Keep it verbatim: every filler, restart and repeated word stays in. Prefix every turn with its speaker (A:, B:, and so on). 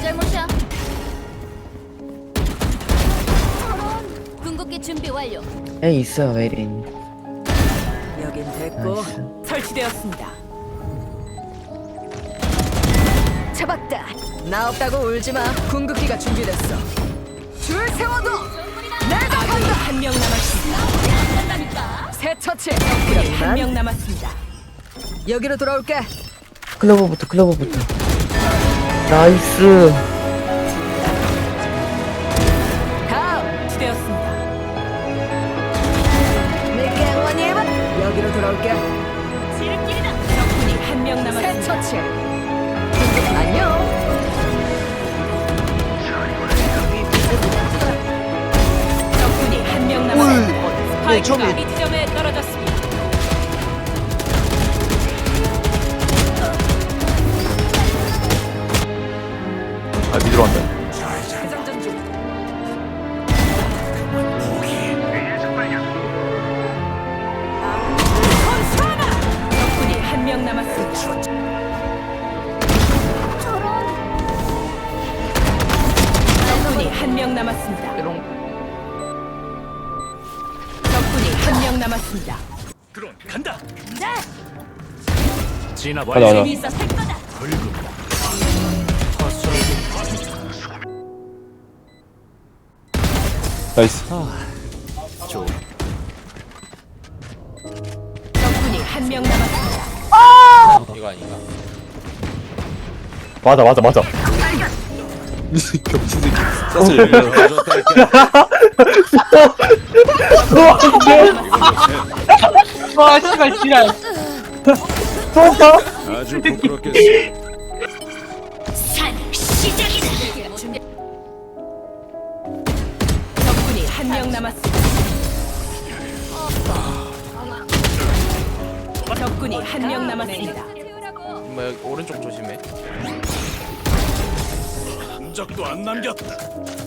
A: 잘못이야. 궁극기 준비 완료.
B: 에 있어 메린.
C: 여긴 됐고
B: 나이스.
C: 설치되었습니다. 잡았다. 나 없다고 울지 마. 궁극기가 준비됐어. 줄 세워도 내가 간다. 한 명 남았습니다. 새 처치. 한 명 남았습니다. 여기로 돌아올게.
B: 클로버부터 클로버부터. 나이스.
C: 다음 지되었습니다. 내게 원해봐. 여기로 돌아올게.
A: 지름길이다.
C: 적군이 한 명 남았습니다. 새 처치. 안녕. 적군이 한 명 남았습니다. 스파이크가 이 지점에 떨어졌습니다.
D: 아 미드로 간다.
C: 장전 중. 선수하나. 적군이 한 명 남았습니다. 적군이 한 명 남았습니다. 적군이 한 명 남았습니다.
E: 드론 간다.
A: 네.
E: 진압
D: 가자 가자.
A: 재미있어 살 거다.
D: 나이스.
E: 좋.
C: 적군이 한 명 남았습니다.
F: 이거 아닌가?
D: 맞아 맞아 맞아. 겹친 새끼. 사실
B: 와 씨발 지랄.
E: 아주 부끄럽겠어.
A: 산 시작이다. 준비.
C: 적군이 한 명 남았습니다. 적군이 한 명 남았습니다.
F: 뭐 여기 오른쪽 조심해.
E: 흔적도 안 남겼다.